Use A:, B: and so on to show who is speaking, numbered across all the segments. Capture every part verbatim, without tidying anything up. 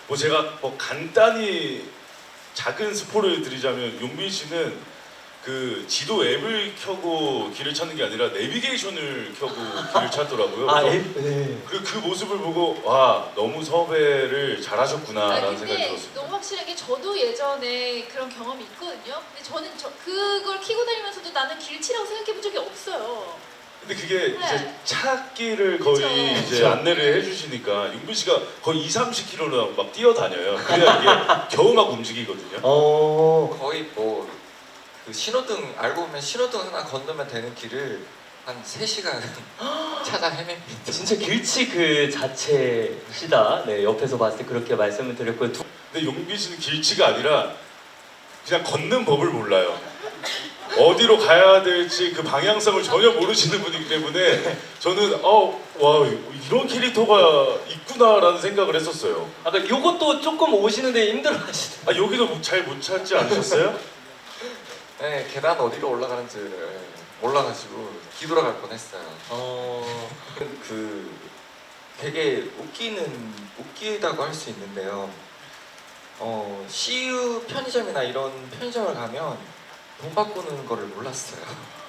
A: 뭐 제가 뭐 간단히 작은 스포를 드리자면 용빈 씨는 그 지도 앱을 켜고 길을 찾는 게 아니라 내비게이션을 켜고 길을 찾더라고요.
B: 아,
A: 그래서
B: 앱? 네.
A: 그, 그 모습을 보고 와 너무 섭외를 잘하셨구나라는
C: 아니,
A: 생각이
C: 근데
A: 들었습니다.
C: 너무 확실한 게 저도 예전에 그런 경험이 있거든요. 근데 저는 저, 그걸 키고 다니면서도 나는 길치라고 생각해 본 적이 없어요.
A: 근데 그게
C: 네.
A: 이제 찾기를 거의
C: 그쵸.
A: 이제
B: 그쵸.
A: 안내를 해주시니까 용빈 씨가 거의 이삼십 킬로미터를 막 뛰어다녀요. 그래야 이게 겨우 막 움직이거든요.
B: 어,
D: 거의 뭐 그 신호등 알고 보면 신호등 하나 건너면 되는 길을 한 세 시간 찾아 헤맵니다.
B: 진짜 길치 그 자체시다. 네, 옆에서 봤을 때 그렇게 말씀을 드렸고요. 두,
A: 근데 용빈 씨는 길치가 아니라 그냥 걷는 법을 몰라요. 어디로 가야 될지 그 방향성을 전혀 모르시는 분이기 때문에 저는 어, 와 이런 캐릭터가 있구나라는 생각을 했었어요.
B: 아까 요것도 조금 오시는데 힘들어하시더라고요.
A: 아 여기도 잘 못 찾지 않으셨어요?
D: 네, 계단 어디로 올라가는지를 몰라가지고 뒤돌아갈 뻔했어요.
B: 어,
D: 그 되게 웃기는 웃기다고 할 수 있는데요. 어, 씨유 편의점이나 이런 편의점을 가면 돈 바꾸는 거를 몰랐어요.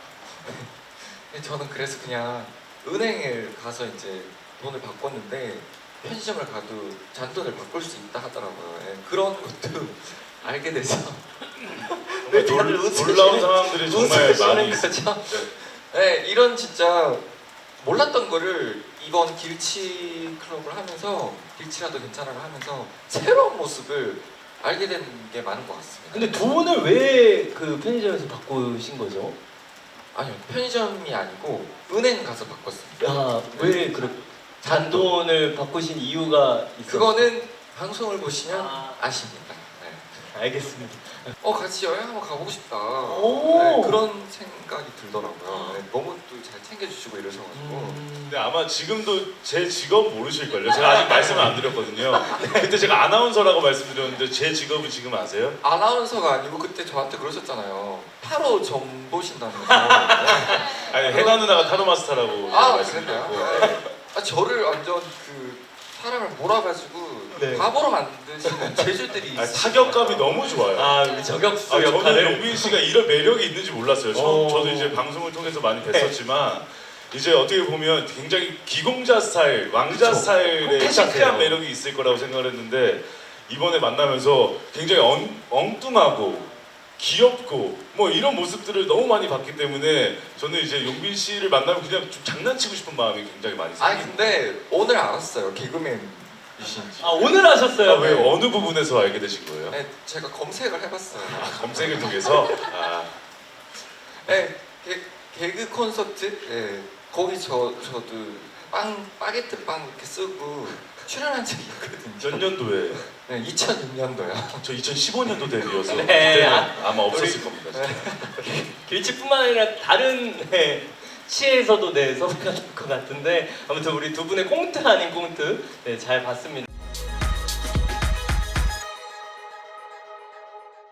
D: 저는 그래서 그냥 은행에 가서 이제 돈을 바꿨는데 편의점을 가도 잔돈을 바꿀 수 있다 하더라고요. 예, 그런 것도 알게 돼서 왜 다들
A: 놀-
D: 웃으시는-
A: 놀라운 상황들이 정말 많이
D: 웃으시는
A: 있습니다.
D: 거죠? 네, 이런 진짜 몰랐던 거를 이번 길치 클럽을 하면서 길치라도 괜찮아를 하면서 새로운 모습을 알게 된 게 많은 것 같습니다.
B: 근데 돈을 왜 그 편의점에서 바꾸신 거죠?
D: 아니요, 편의점이 아니고 은행 가서 바꿨습니다.
B: 야, 왜 그렇게 잔돈을 바꾸신 이유가 있어요?
D: 그거는 방송을 보시면
B: 아.
D: 아십니다. 네.
B: 알겠습니다.
D: 어, 같이 여행 한번 가보고 싶다.
B: 오.
D: 네, 그런 생각이 들더라고요. 네, 너무 또 잘 챙겨주시고 이러셔가지고.
B: 음,
A: 근데 아마 지금도 제 직업 모르실걸요? 제가 아직 말씀을 안 드렸거든요. 그때 제가 아나운서라고 말씀드렸는데 제 직업은 지금 아세요?
D: 아나운서가 아니고 그때 저한테 그러셨잖아요. 타로 점 보신다면서. 네.
A: 아니 해나 누나가 타로 마스터라고 제가
D: 아,
A: 말씀드렸고
D: 그랬나요? 네. 아, 저를 완전 그 사람을 몰아가지고
B: 네.
D: 바보로 만드시는 재주들이
A: 아,
D: 있으시죠.
A: 타격감이 너무 좋아요.
B: 아, 우리 저격수
A: 아, 저는
B: 역할을.
A: 용빈 씨가 이런 매력이 있는지 몰랐어요. 저,
B: 어.
A: 저도 이제 방송을 통해서 많이 뵀었지만 이제 어떻게 보면 굉장히 기공자 스타일, 왕자
B: 그쵸.
A: 스타일의
B: 콘텐츠예요.
A: 시크한 매력이 있을 거라고 생각을 했는데 이번에 만나면서 굉장히 엉, 엉뚱하고 귀엽고 뭐 이런 모습들을 너무 많이 봤기 때문에 저는 이제 용빈 씨를 만나면 그냥 좀 장난치고 싶은 마음이 굉장히 많이
D: 아니
A: 생깁니다.
D: 근데 오늘 알았어요. 개그맨이신지.
B: 아, 오늘 하셨어요?
A: 아, 왜 어느 부분에서 알게 되신 거예요?
D: 네, 제가 검색을 해봤어요.
A: 아, 검색을 통해서 아,
D: 네, 개, 개그 콘서트. 네, 거기 저 저도 빵 바게트 빵 이렇게 쓰고 출연한 적이 있거든요.
A: 몇 년도에?
D: 네, 이천육 년도요.
A: 저 이천십오 년도 데뷔여서
B: 네,
A: 그때는
B: 아,
A: 아마 없었을
B: 우리-
A: 겁니다. 진짜.
B: 길치뿐만 아니라 다른 네, 시에서도 네, 섭외가 될 것 같은데 아무튼 우리 두 분의 꽁트 아닌 꽁트 네, 잘 봤습니다.